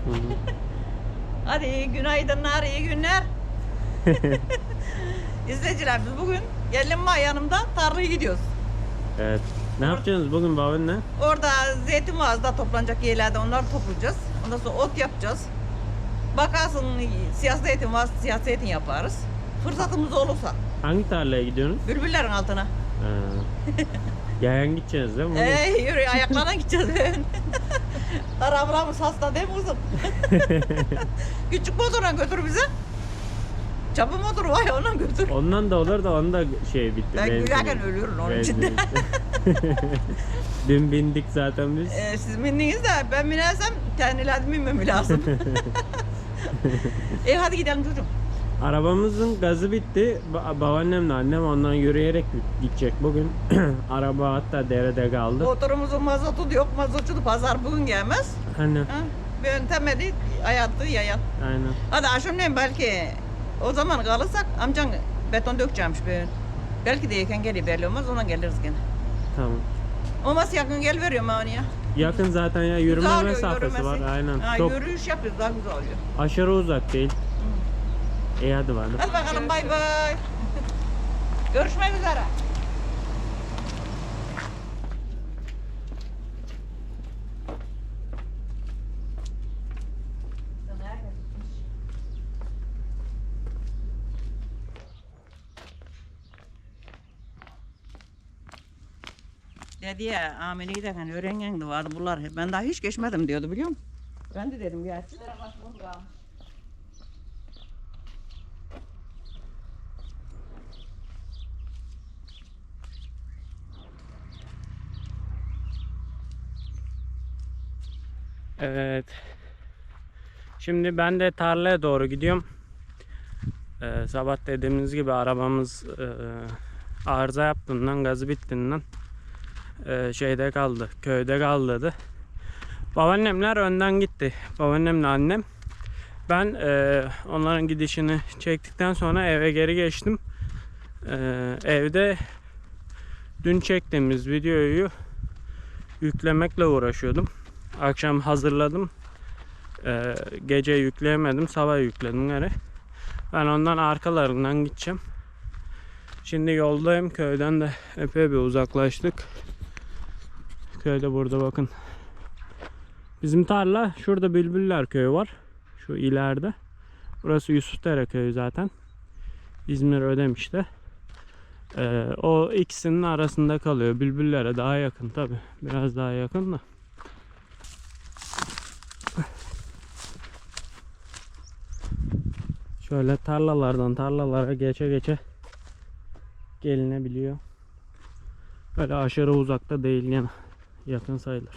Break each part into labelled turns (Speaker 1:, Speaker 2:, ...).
Speaker 1: Hı hı.
Speaker 2: Hadi iyi günaydınlar, iyi günler. İzleyiciler biz bugün gelin var yanımda tarlaya gidiyoruz.
Speaker 1: Evet. Ne yapacaksınız bugün babaanne?
Speaker 2: Orada zeytin ağızda toplanacak yerlerde onları toplayacağız. Ondan sonra ot yapacağız. Bakarsın siyah zeytin var, siyah zeytin yaparız. Fırsatımız olursa.
Speaker 1: Hangi tarlaya gidiyorsunuz?
Speaker 2: Bülbüllerin altına.
Speaker 1: Ha. Yayan gideceğiz değil mi?
Speaker 2: Yürü ayaklarına gideceğiz. Arabamız hasta değil mi kızım? Küçük motorla götür bizi. Çapı motoru var ya ondan götür.
Speaker 1: Ondan da olur da onun da şey bitti.
Speaker 2: Ben
Speaker 1: benzin
Speaker 2: gülerken
Speaker 1: bitti.
Speaker 2: ölüyorum onun
Speaker 1: Benzin
Speaker 2: içinde.
Speaker 1: bitti. Dün bindik zaten biz.
Speaker 2: Siz bindiniz de ben binersem kendilerine binmem lazım. Hadi gidelim çocuğum.
Speaker 1: Arabamızın gazı bitti. Babaannemle annem ondan yürüyerek gidecek bugün. Araba hatta derede kaldı.
Speaker 2: Motorumuzun mazotu yok. Mazotçu pazar bugün gelmez.
Speaker 1: Anne.
Speaker 2: Ha, yöntemeli hayatı yayan.
Speaker 1: Aynen.
Speaker 2: Hadi akşamleyin belki o zaman kalırsak amcan beton dökeceğimmiş bir. Belki de yeken geliyor belli olmaz ona geliriz gene.
Speaker 1: Tamam.
Speaker 2: Olmaz yakın gel veriyorum ben onu ya.
Speaker 1: Yakın zaten ya, yürüme
Speaker 2: Güzel oluyor,
Speaker 1: mesafesi var.
Speaker 2: yürümesi.
Speaker 1: Aynen.
Speaker 2: Ha,
Speaker 1: Çok
Speaker 2: yürüyüş yapıyoruz daha güzel oluyor.
Speaker 1: aşırı uzak değil. İyi hadi bakalım.
Speaker 2: Hadi bakalım bay bay. Görüşmek üzere. Dedi ya ameliyi de hani öğrengen de vardı bunlar. Ben daha hiç geçmedim diyordu biliyor musun? Ben de dedim gerçi.
Speaker 1: Evet. Şimdi ben de tarlaya doğru gidiyorum. Sabah dediğimiz gibi arabamız arıza yaptığından, gazı bittiğinden şeyde kaldı, köyde kaldı dedi. Babaannemler önden gitti. Babaannemle annem. Ben onların gidişini çektikten sonra eve geri geçtim. Evde dün çektiğimiz videoyu yüklemekle uğraşıyordum. Akşam hazırladım. Gece yükleyemedim. Sabah yükledim geri. Ben ondan arkalarından gideceğim. Şimdi yoldayım. Köyden de epey bir uzaklaştık. Köyde burada bakın. Bizim tarla şurada Bülbüller köyü var. Şu ileride. Burası Yusufdere köyü zaten. İzmir Ödemiş'te. O ikisinin arasında kalıyor. Bülbüllere daha yakın tabi. Biraz daha yakın da. Şöyle tarlalardan tarlalara geçe geçe gelinebiliyor. Öyle aşırı uzakta değil yani. Yakın sayılır.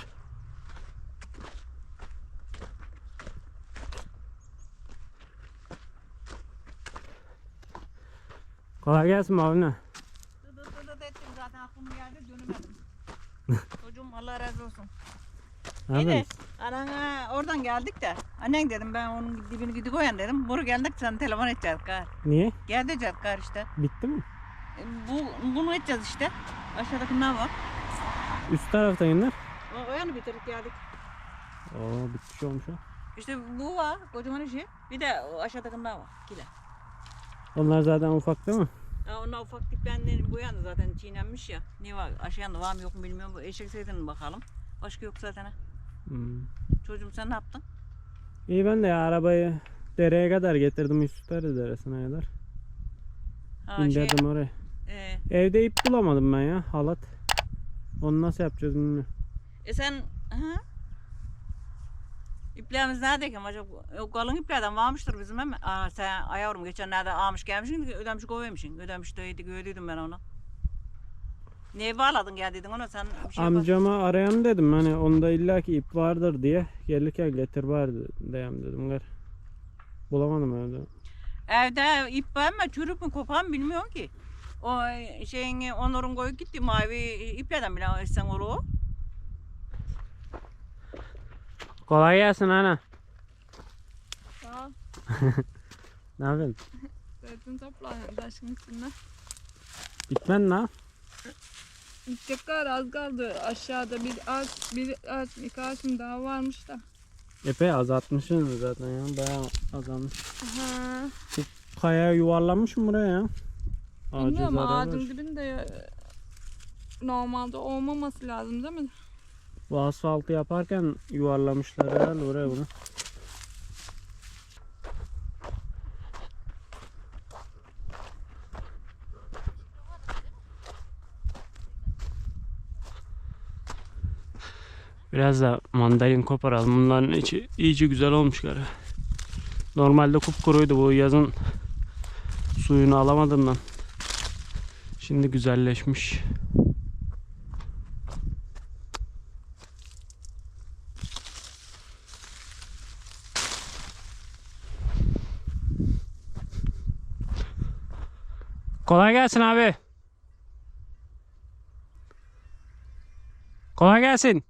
Speaker 1: Kolay gelsin abi ne?
Speaker 2: Dıdıt ettim zaten aklım geldi dönemedim. Çocuğum Allah razı olsun.
Speaker 1: Ne
Speaker 2: İyi de
Speaker 1: yapıyorsun?
Speaker 2: anana oradan geldik de annen dedim ben onun dibini gidi koyan dedim. Bunu geldik sen telefon edeceğiz kar.
Speaker 1: Niye?
Speaker 2: Gel diyeceğiz kar işte.
Speaker 1: Bitti mi?
Speaker 2: Bunu edeceğiz işte. Aşağıdaki ne var?
Speaker 1: Üst tarafta inler.
Speaker 2: O yanı bitirdik geldik.
Speaker 1: Oo bitmiş olmuş o.
Speaker 2: İşte bu var kocaman işi. Bir de o aşağıdaki ne var? Kile.
Speaker 1: Onlar zaten ufak değil mi?
Speaker 2: Ya onlar ufak diplerinin bu yanı zaten çiğnenmiş ya. Ne var? Aşağıda var mı yok mu bilmiyorum. Bu eşek zeytinin bakalım. Başka yok zaten.
Speaker 1: Hmm.
Speaker 2: Çocuğum sen ne yaptın?
Speaker 1: İyi ben de ya arabayı dereye kadar getirdim. Yusufdere deresine kadar.
Speaker 2: Ha,
Speaker 1: İndirdim oraya. Evde ip bulamadım ben ya, halat. Onu nasıl yapacağız bilmiyorum.
Speaker 2: Sen İplerimiz neredeyken acaba? O kalın iplerden varmıştır bizim ama. Sen ayavrum geçenlerde almış gelmişsin ödemiş koymuşsun. Ödemiş deydik ödüydüm ben onu. Neye bağladın geldiydin ona sen bir şey
Speaker 1: Amcama arayan dedim hani onda illaki ip vardır diye. Gelirken getir bari diyeyim dedim. Gar. Bulamadım evde.
Speaker 2: Evde ip var mı çürük mü kopan mı bilmiyorum ki. O şeyin Onur'un koyup gitti mavi iplerden bile sen onu.
Speaker 1: Kolay gelsin ana.
Speaker 3: Sağ ol.
Speaker 1: Ne yapıyorsun?
Speaker 3: Zeytin toplanıyor taşın üstünde.
Speaker 1: Bitmen ne?
Speaker 3: Gidecekler az kaldı. Aşağıda bir ağaç, iki ağaç mı daha varmış da.
Speaker 1: Epey azaltmışsınız zaten ya. Bayağı azalmış.
Speaker 3: Aha.
Speaker 1: Kaya yuvarlanmış mı buraya ya? Ağacı
Speaker 3: Bilmiyorum
Speaker 1: zarar
Speaker 3: ağacın
Speaker 1: vermiş.
Speaker 3: dibinde normalde olmaması lazım değil mi?
Speaker 1: Bu asfaltı yaparken yuvarlamışlar herhalde oraya bunu. Biraz da mandalin koparalım. Bunların içi iyice güzel olmuş galiba. Normalde kupkuruydu, bu yazın suyunu alamadığımdan. Şimdi güzelleşmiş. Kolay gelsin abi. Kolay gelsin.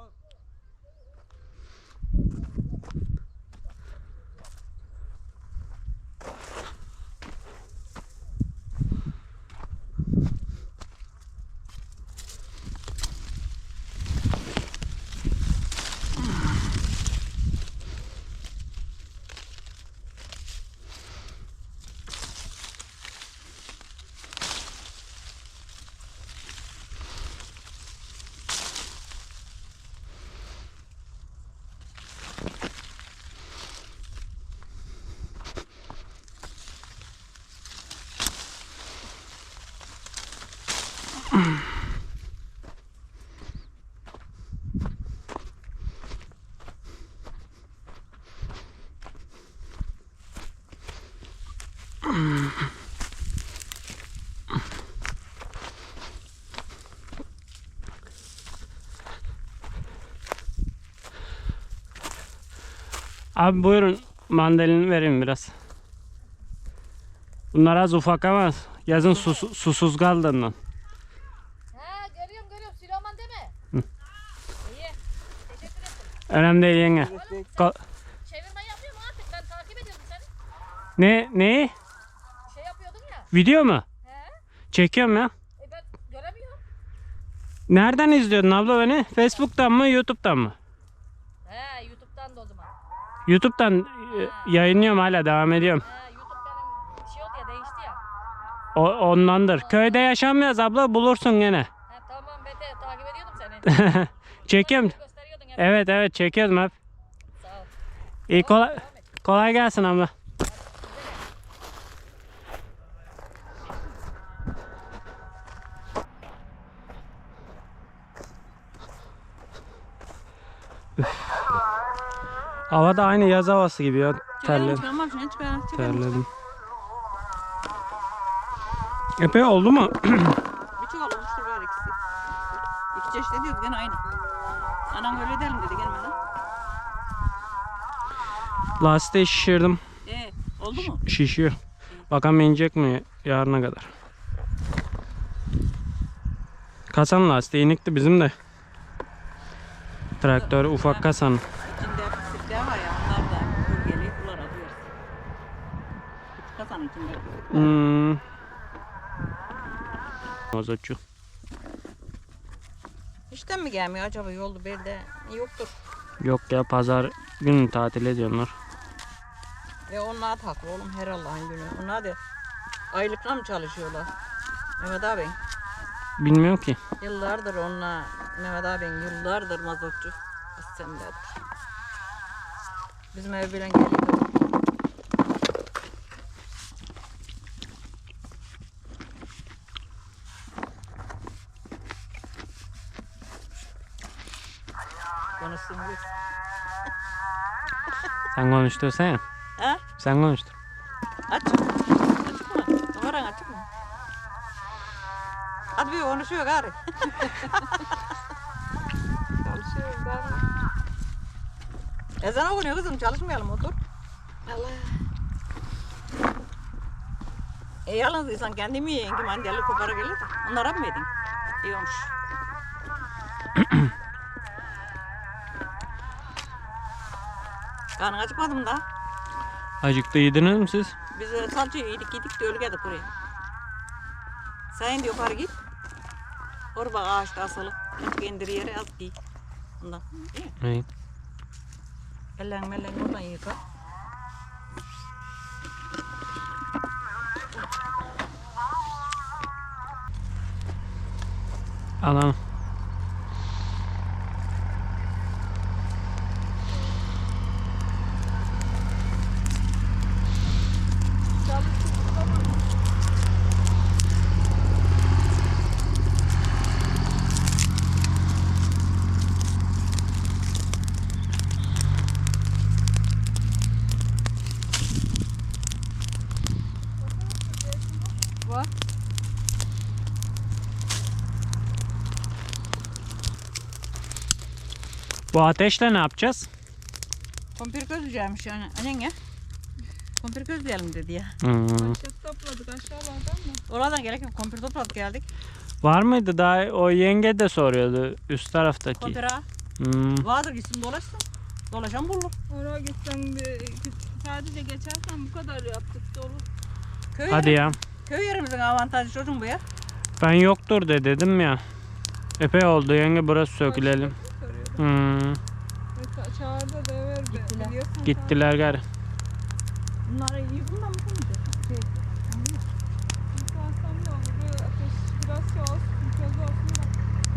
Speaker 1: Abi buyurun, mandalini vereyim biraz. Bunlar az ufak ama yazın susuz kaldığından.
Speaker 4: Ha görüyorum Süleyman değil mi?
Speaker 1: Hı.
Speaker 4: İyi. Teşekkür ederim.
Speaker 1: Önemli değil yenge.
Speaker 4: Çevirme yapıyor mu artık? Ben takip ediyordum seni.
Speaker 1: Neyi?
Speaker 4: Şey yapıyordun ya.
Speaker 1: Video mu?
Speaker 4: He?
Speaker 1: Çekiyorum ya.
Speaker 4: Ben göremiyorum.
Speaker 1: Nereden izliyordun abla beni? Facebook'tan mı, YouTube'dan mı?
Speaker 4: He YouTube'dan da o zaman.
Speaker 1: YouTube'dan yayınlıyorum, hala devam ediyorum.
Speaker 4: He YouTube benim şey oldu ya değişti ya.
Speaker 1: Ondandır. Köyde yaşamıyoruz abla, bulursun gene.
Speaker 4: He tamam ben de takip ediyordum seni.
Speaker 1: Çekiyorum.
Speaker 4: Gösteriyordun hep.
Speaker 1: Evet çekiyorum hep.
Speaker 4: Sağ ol.
Speaker 1: İyi, kolay gelsin abla. Hava da aynı yaz havası gibi ya. Terledim.
Speaker 2: Çıkarmam şunu çıkar.
Speaker 1: Terledim. Epey oldu mu?
Speaker 2: Bir çuval olmuştur böyle ikisi. İki çeşit ediyoruz gene aynı. Anam öyle edelim dedi gelmeden.
Speaker 1: Lastiği şişirdim.
Speaker 2: Oldu mu?
Speaker 1: Şişiyor. Bakalım inecek mi yarına kadar. Kasan lastiği inikti bizim de. Traktör ufak kasan.
Speaker 2: İçinde pislikler var ya onlar da bölgeli bunlar alıyoruz. Küçük kasanın içinde.
Speaker 1: Mazotçu.
Speaker 2: İşten mi gelmiyor acaba yolda belde yoktur.
Speaker 1: Yok ya, pazar günü tatil ediyorlar.
Speaker 2: Onlar taklı oğlum her Allah'ın günü. Onlar da aylıkla mı çalışıyorlar? Mehmet abi.
Speaker 1: Bilmiyorum ki.
Speaker 2: Yıllardır onlar Mehmet abin yıllardır mazotçu. Senelerdir. Bizim ev bilen geliyor. Konuşsun biz.
Speaker 1: Sen konuştursan ya.
Speaker 2: Ha?
Speaker 1: Sen konuştur.
Speaker 2: Aç. Açık mı? Kameran açık mı? Hadi bir konuşuyor gari.
Speaker 3: Çalışıyoruz galiba.
Speaker 2: Ezan okunuyor kızım, çalışmayalım otur.
Speaker 3: Allah.
Speaker 2: Yalnız insan kendi mi yiyin ki mandalya kopara gelir de. Onlara mı yedin? Diyormuş. Karnın acıkmadı mı da?
Speaker 1: Acıktı, yediniz mi siz?
Speaker 2: Biz salça yedik de öyle geldik buraya. Sen de yukarı git. Orada bak ağaçta asılı. Azıcık indir yere az giy. Ondan. İyi mi?
Speaker 1: Evet.
Speaker 2: Ellerini mellerini oradan yıka.
Speaker 1: Alalım.
Speaker 2: Var.
Speaker 1: Bu ateşle ne yapacağız?
Speaker 2: Kumpir közleyeceğimiş yani. Annen ya. Kumpir közleyelim dedi ya.
Speaker 3: Başlık topladık aşağılardan mı?
Speaker 2: Oradan gerek yok. Kumpir topladık geldik.
Speaker 1: Var mıydı daha? O yenge de soruyordu üst taraftaki.
Speaker 2: Kumpir ha.
Speaker 1: Hmm.
Speaker 2: Vardır gitsin dolaşsın. Dolaşan bulur.
Speaker 3: Oraya gitsen de sadece geçersen bu kadar yaptık dolu.
Speaker 2: Köy
Speaker 1: Hadi ya.
Speaker 2: Köy yerimizin avantajı çocuğum bu ya.
Speaker 1: Ben yoktur de dedim ya. Epey oldu yenge, burası sökülelim. Hmm.
Speaker 3: Çağırda da ver be.
Speaker 2: Gittiler.
Speaker 3: Biliyorsun
Speaker 1: Gittiler gari.
Speaker 2: Bunları iyi bundan mı
Speaker 3: Yıkansam ne olur? Bu ateş biraz şey olsun, köz olsun da.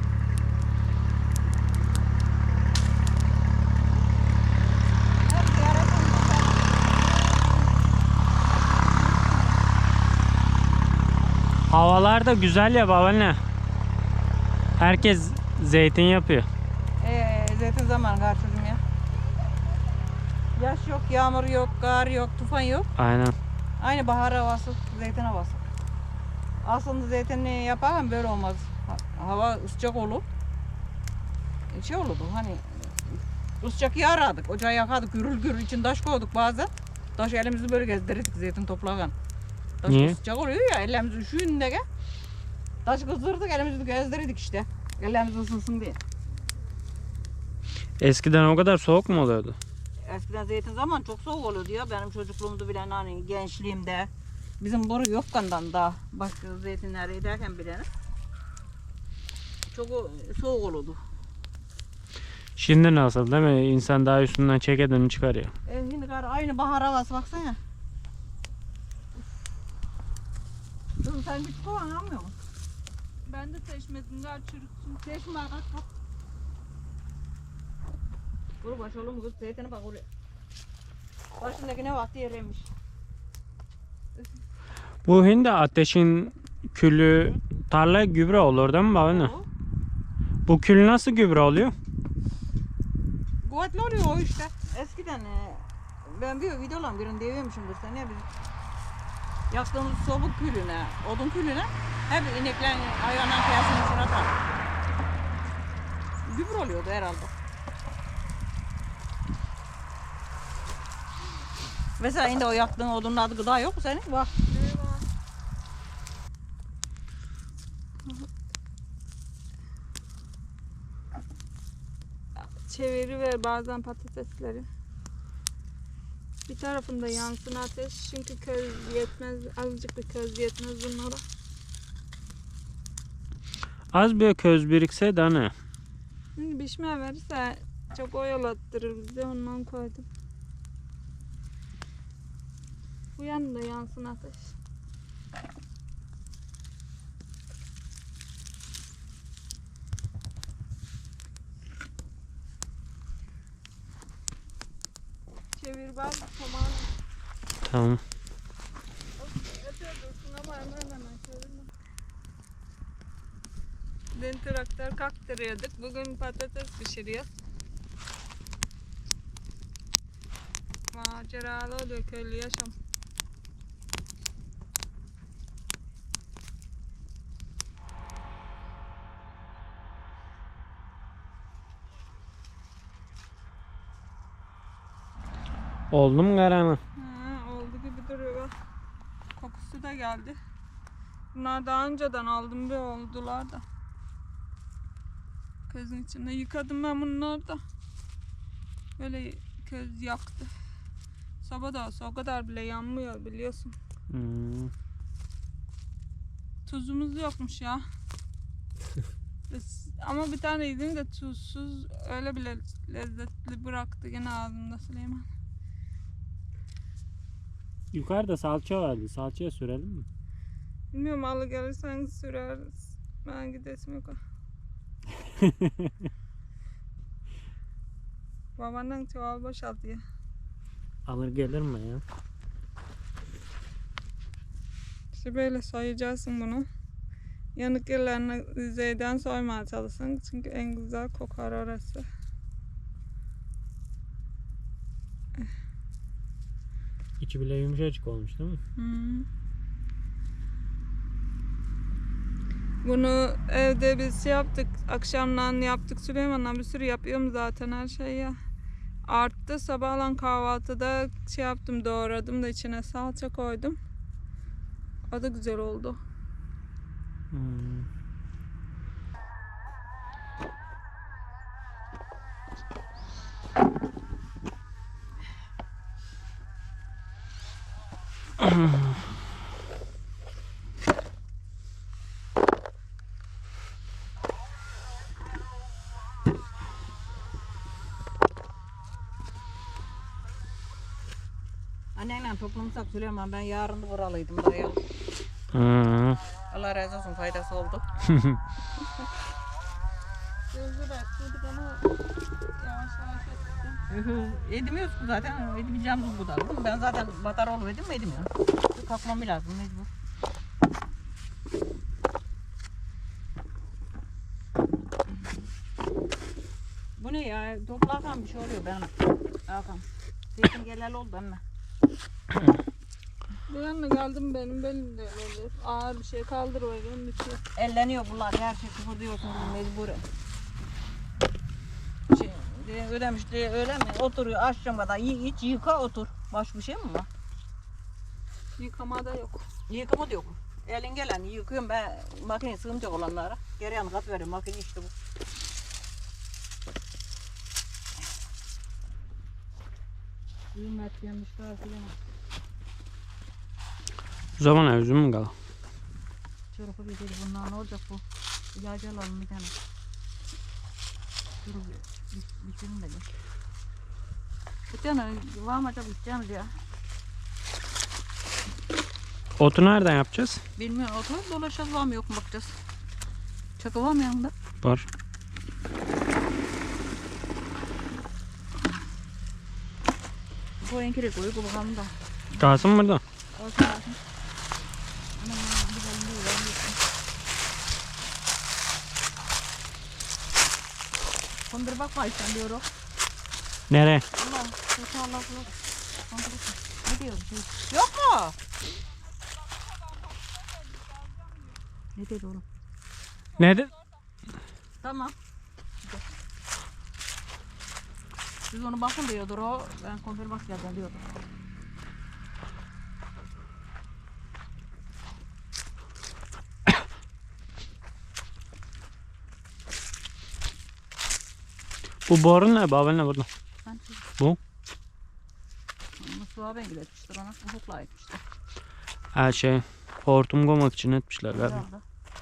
Speaker 1: Havalar da güzel ya babaanne. Herkes zeytin yapıyor.
Speaker 2: Zeytin zamanı gar çocuğum ya. Yaş yok, yağmur yok, kar yok, tufan yok.
Speaker 1: Aynen.
Speaker 2: Aynı bahar havası, zeytin havası. Aslında zeytinli yaparken böyle olmaz. Hava sıcak olur. Şey olurdu hani sıcak yağardık, ocağı yakardık, gürül gürül için taş koyduk bazen. Taş elimizi böyle gezdirirdik zeytin toplarken. Taş
Speaker 1: Niye?
Speaker 2: sıcak oluyor ya, ellerimizi üşüyünde gel. Taş kızdırdık, elimizi gezdirirdik işte. Ellerimiz ısınsın diye.
Speaker 1: Eskiden o kadar soğuk mu oluyordu?
Speaker 2: Eskiden zeytin zaman çok soğuk oluyordu ya. Benim çocukluğumda bile hani gençliğimde. Bizim boru yokkandan da başka zeytinler ederken bile çok soğuk olurdu.
Speaker 1: Şimdi nasıl değil mi? İnsan daha üstünden çekeden çıkarıyor.
Speaker 2: Şimdi aynı bahar havası baksana. Kızım sen bir kovan almıyor musun?
Speaker 3: Ben de seçmedim daha çürüksün.
Speaker 2: Seçme bak. Vur baş oğlum kız zeytine bak oraya. Başındaki ne vakti yeriymiş.
Speaker 1: Bu hindi ateşin külü tarlaya gübre olur değil mi babaanne? Bu kül nasıl gübre oluyor?
Speaker 2: Kuvvetli oluyor o işte. Eskiden ben bir videolarım birinde diyememişimdir sen ya biz yaktığımız soba külüne, odun külüne hep ineklerin hayvanların kıyasının içine atar. Gübre oluyordu herhalde. Mesela şimdi o yaktığın odunun adı gıda yok mu senin? Bak.
Speaker 3: Çeviriver bazen patatesleri. Bir tarafında yansın ateş çünkü köz yetmez, azıcık bir köz yetmez bunlara.
Speaker 1: Az bir köz birikse de ne?
Speaker 3: Şimdi pişmeye verirse çok oyalattırır bizi, ondan koydum. Bu yanında yansın ateş. Çevir bak tamam.
Speaker 1: Tamam.
Speaker 3: Öteye dursun ama hemen çevirme. Dün traktör kaktırıyorduk. Bugün patates pişiriyor. Maceralı oluyor köylü yaşam.
Speaker 1: Oldu mu karanı?
Speaker 3: Oldu gibi duruyor. Kokusu da geldi. Bunlar daha önceden aldım ve oldular da. Közün içinde yıkadım ben bunları da. Böyle köz yaktı. Soba da olsa o kadar bile yanmıyor biliyorsun.
Speaker 1: Hmm.
Speaker 3: Tuzumuz yokmuş ya. Ama bir tane yedim de tuzsuz, öyle bile lezzetli bıraktı gene ağzımda Süleyman.
Speaker 1: Yukarıda salça vardı. Salçaya sürelim mi?
Speaker 3: Bilmiyorum, alı gelirsen süreriz. Ben gidesim yok. Babandan çuval boşalt ya.
Speaker 1: Alır gelir mi ya?
Speaker 3: İşte böyle soyacaksın bunu. Yanık yerlerini yüzeyden soymaya çalışsın. Çünkü en güzel kokar orası.
Speaker 1: İçi bile yumuşacık olmuş değil mi?
Speaker 3: Hmm. Bunu evde biz şey yaptık. Akşamdan yaptık. Süleyman'la bir sürü yapıyorum zaten her şeyi ya. Arttı. Sabahlan kahvaltıda şey yaptım, doğradım da içine salça koydum. O da güzel oldu.
Speaker 1: Hmm.
Speaker 2: Annenle toplamışsak Süleyman, ben yarın da buralıydım buraya.
Speaker 1: Hmm.
Speaker 2: Allah razı olsun, faydası oldu.
Speaker 3: Gözü baktıydık ama yavaş yavaş ettim.
Speaker 2: Edemiyoruz ki zaten, edemeyeceğimiz bu da. Ben zaten batar olup edemiyorum. Kalkmam lazım mecbur. Bu ne ya? Toplarken bir şey oluyor benim. Hakan. Zeytin geleli oldu emme.
Speaker 3: Bir yana geldim, benim belim de öyle oluyor. Ağır bir şey kaldırıyorum, bitiyor.
Speaker 2: Elleniyor bunlar, her şey kıpırdıyorsun mecburen. Ödemiş diye öyle mi? Oturuyor akşam kadar, hiç yıka otur. Başka bir şey mi var?
Speaker 3: Yıkama da yok.
Speaker 2: Yıkama da yok. Elin gelen yıkıyorum ben, makine sığmayacak olanlara. Geri yanı kat veriyorum, makine işte bu. Ümmet yemişler filan.
Speaker 1: O zaman üzüm mü kal?
Speaker 2: Çorba bir dedi, bunlar ne olacak bu? İlacı alalım bir tane. Dur bitirin de gel. Bir tane var mı acaba içeceğimiz ya?
Speaker 1: Otu nereden yapacağız?
Speaker 2: Bilmiyorum, oturup dolaşacağız, var mı yok mu bakacağız. Çakı var mı yanında?
Speaker 1: Var.
Speaker 2: Bu enkiri koyu bakalım da.
Speaker 1: Kalsın mı burada?
Speaker 2: Olsun olsun. Anam gidelim değil, ben gittim. Kondur bakma işte diyorum.
Speaker 1: Nereye?
Speaker 2: Allah, kötü Allah Allah. Kondur bakma. Ne diyor? Yok mu? Ne dedi oğlum?
Speaker 1: Nerede?
Speaker 2: Tamam. Siz onu bakın diyordur o. Ben konfer bak geldim diyordur.
Speaker 1: Bu boru ne? Babel ne burada?
Speaker 2: Ben
Speaker 1: Bu?
Speaker 2: Mustafa ben etmiştir ona. Hukukla etmiştir.
Speaker 1: Her şey. Hortum koymak için etmişler galiba.
Speaker 2: Herhalde.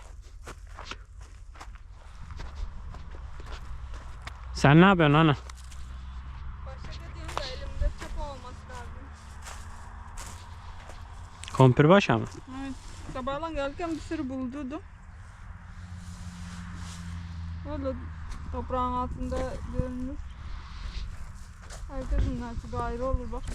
Speaker 1: Sen ne yapıyorsun ana?
Speaker 3: Başka dediğim de elimde çapa olması lazım.
Speaker 1: Kompir başa mı?
Speaker 3: Evet. Sabahlan gelirken bir sürü buldurdum. Öyle toprağın altında görünür. Herkesin nasibi ayrı olur bak.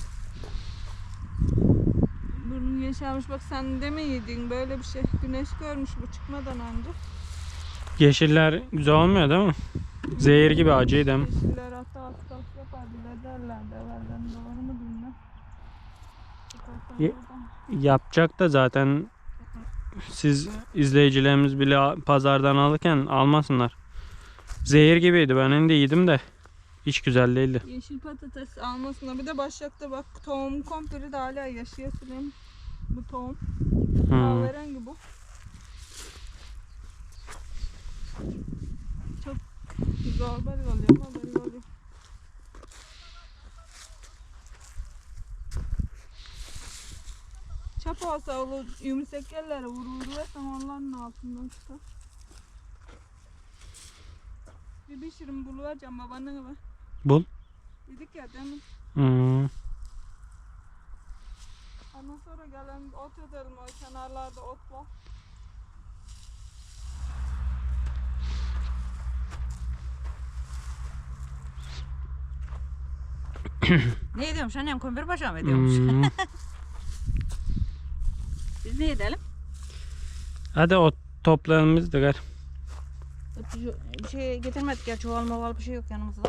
Speaker 3: Burnu yeşermiş, bak sen de mi yedin böyle bir şey? Güneş görmüş bu çıkmadan önce.
Speaker 1: Yeşiller güzel olmuyor değil mi? Zehir gibi acıydı değil mi?
Speaker 3: Yeşiller hatta hastalık yapar bile derlerdi evvelden, doğru mu bilmem.
Speaker 1: Ye- Yapacak da zaten siz izleyicilerimiz bile pazardan alırken almasınlar. Zehir gibiydi, ben şimdi yedim de hiç güzel değildi.
Speaker 3: Yeşil patates almasına bir de başlıkta bak tohum kompiri de hala yaşıyor Süleyman. Bu tohum. Kahverengi bu. Çok zor belli oluyor ama belli oluyor. Çap olsa olur, yumuşak yerlere vurur ve onların altından çıkar. Bir şirin buluvereceğim babaannene ben.
Speaker 1: Bul.
Speaker 3: Dedik ya demin.
Speaker 1: Hmm.
Speaker 3: Ondan sonra gelen ot edelim, o kenarlarda ot var.
Speaker 2: Ne ediyormuş annem? Kumbir paşa mı ediyormuş?
Speaker 1: Hmm.
Speaker 2: Biz ne edelim?
Speaker 1: Hadi ot toplayalım biz de gel.
Speaker 2: Bir şey getirmedik ya, çuval maval bir şey yok yanımızda.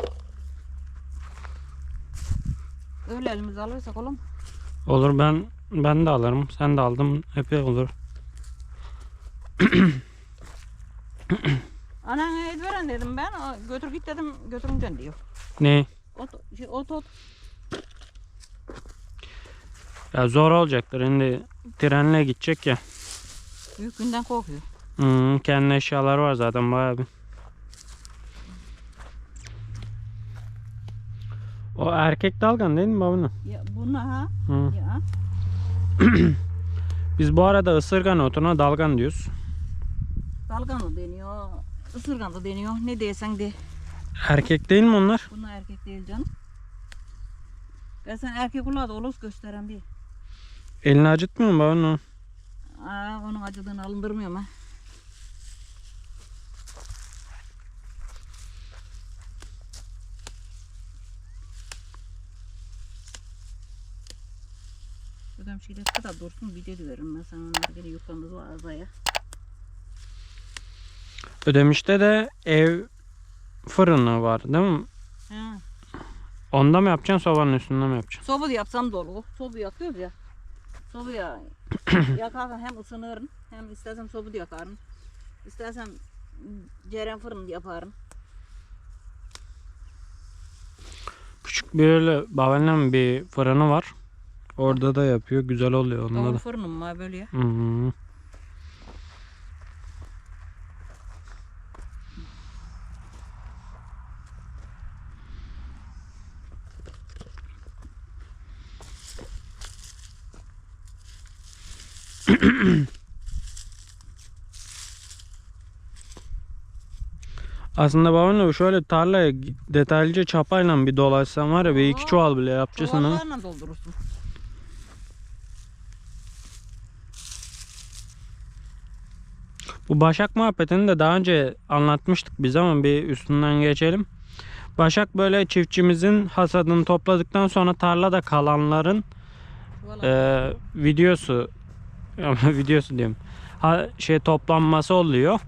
Speaker 2: Öyle elimize alırsak olur mu?
Speaker 1: Olur, ben de alırım. Sen de aldın. Epey olur.
Speaker 2: Anan et veren dedim ben. Götür git dedim, götürünce diyor.
Speaker 1: Ne?
Speaker 2: Ot.
Speaker 1: Ya zor olacaktır. Şimdi trenle gidecek ya.
Speaker 2: Büyük günden korkuyor.
Speaker 1: Kendi eşyaları var zaten bayağı bir. O erkek dalgan değil mi babanın?
Speaker 2: Ya bunu ha?
Speaker 1: Hı.
Speaker 2: Ya.
Speaker 1: Biz bu arada ısırgan otuna dalgan diyoruz.
Speaker 2: Dalgan da deniyor. Isırgan da deniyor. Ne diyesen de.
Speaker 1: Erkek değil mi onlar?
Speaker 2: Bunlar erkek değil canım. Ben sen erkek ula da oluz gösteren bir.
Speaker 1: Elini acıtmıyor mu babanın o?
Speaker 2: Onun acıdığını alındırmıyorum ha. Ödem şeyde kadar dursun, video veririm ben sana, onlar gene yıkandı o azaya.
Speaker 1: Ödemiş'te de ev fırını var değil mi?
Speaker 2: Ha.
Speaker 1: Onda mı yapacaksın, sobanın üstünde mi yapacaksın?
Speaker 2: Soba da yapsam dolu. Soba yakıyoruz ya. Sobaya yakarsan hem ısınırım, hem istersen soba da yakarım. İstersen ceren fırın yaparım.
Speaker 1: Küçük bir öyle babaannem bir fırını var. Orada da yapıyor. Güzel oluyor onda
Speaker 2: Davul
Speaker 1: da.
Speaker 2: fırınım var böyle ya.
Speaker 1: Hı. Aslında babaanne şöyle tarlaya detaylıca çapayla bir dolaşsan var ya, bir iki çuval bile yapacaksın ha.
Speaker 2: Çuvallarla doldurursun.
Speaker 1: Bu başak muhabbetini de daha önce anlatmıştık biz ama bir üstünden geçelim. Başak böyle çiftçimizin hasadını topladıktan sonra tarlada kalanların videosu videosu diyorum. Toplanması oluyor.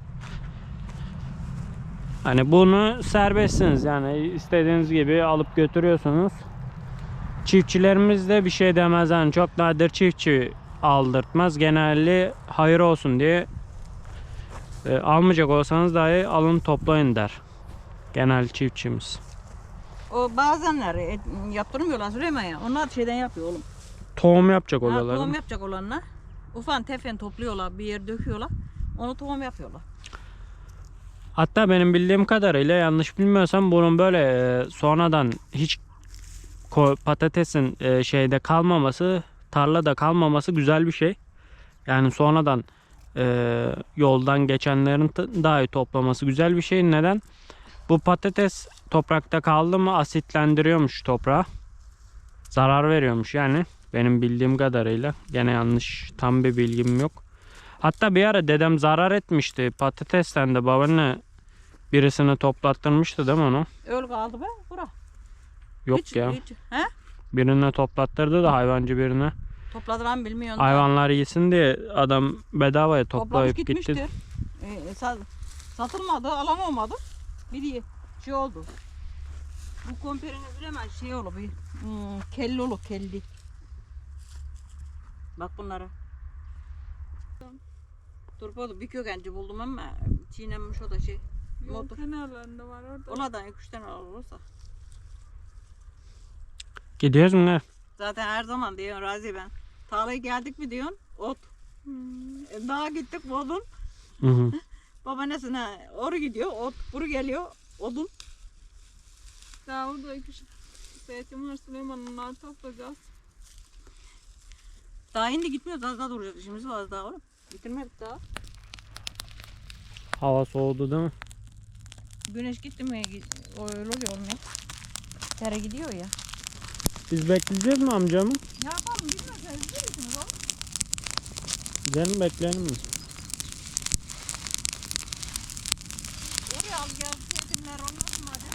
Speaker 1: Hani bunu serbestsiniz, yani istediğiniz gibi alıp götürüyorsunuz. Çiftçilerimiz de bir şey demez, yani çok nadir çiftçi aldırtmaz. Genelde hayır olsun diye almayacak olsanız dahi alın toplayın der genel çiftçimiz.
Speaker 2: O bazenler yaptırmıyorlar Süleyman ya. Onlar şeyden yapıyor oğlum.
Speaker 1: Tohum yapacak
Speaker 2: Ha,
Speaker 1: oluyorlar.
Speaker 2: tohum yapacak olanlar. Ufan tefen topluyorlar, bir yer döküyorlar. Onu tohum yapıyorlar.
Speaker 1: Hatta benim bildiğim kadarıyla, yanlış bilmiyorsam, bunun böyle sonradan hiç patatesin şeyde kalmaması, tarlada kalmaması güzel bir şey. Yani sonradan yoldan geçenlerin dahi toplaması güzel bir şey. Neden? Bu patates toprakta kaldı mı asitlendiriyormuş toprağı. Zarar veriyormuş yani. Benim bildiğim kadarıyla. Gene yanlış, tam bir bilgim yok. Hatta bir ara dedem zarar etmişti. Patatesten de babaanne birisini toplattırmıştı değil mi onu?
Speaker 2: Öyle kaldı be bura.
Speaker 1: Yok
Speaker 2: Hiç,
Speaker 1: ya.
Speaker 2: hiç. He?
Speaker 1: Birine toplattırdı da, hayvancı birine.
Speaker 2: Topladılar mı bilmiyorum. da.
Speaker 1: Hayvanlar yesin diye adam bedavaya
Speaker 2: Toplamış
Speaker 1: toplayıp
Speaker 2: gitmiştir.
Speaker 1: gitti.
Speaker 2: Satılmadı, alan olmadı. Bir şey oldu. Bu komperini bilemez şey olur bir kelli olur, kelli. Bak bunlara. Turpodu bir kökenci buldum ama çiğnenmiş o da şey.
Speaker 3: Yol
Speaker 2: Motor.
Speaker 3: kenarlarında var orada.
Speaker 2: Onlardan 2-3 tane olursa.
Speaker 1: Gidiyoruz mu ne?
Speaker 2: Zaten her zaman diyorsun Razi ben. Tarlaya geldik mi diyorsun ot. Daha gittik odun.
Speaker 1: Hı hı.
Speaker 2: Babaannesine oru gidiyor ot. Buru geliyor odun.
Speaker 3: Daha orada 2 zeytin var Süleyman, onları toplayacağız.
Speaker 2: Daha şimdi gitmiyoruz, az daha duracağız. İşimiz var daha oğlum. Bitirmedik daha.
Speaker 1: Hava soğudu değil mi?
Speaker 2: güneş gitti mi öyle oluyor olmuyor. Tere gidiyor ya.
Speaker 1: Biz bekleyeceğiz mi amcamı?
Speaker 2: Ne yapalım bilmiyorum sen izliyorsunuz oğlum.
Speaker 1: Gidelim bekleyelim mi?
Speaker 2: Oraya al gel yetimler olmasın hadi.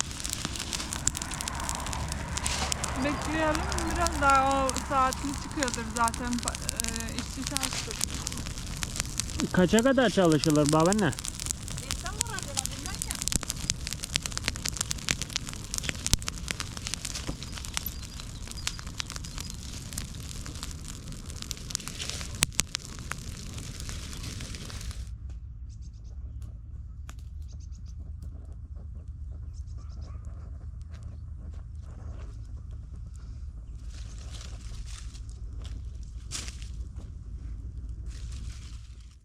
Speaker 3: Bekleyelim biraz daha, o saatli çıkıyordur zaten işçi çalıştık.
Speaker 1: Kaça kadar çalışılır babaanne?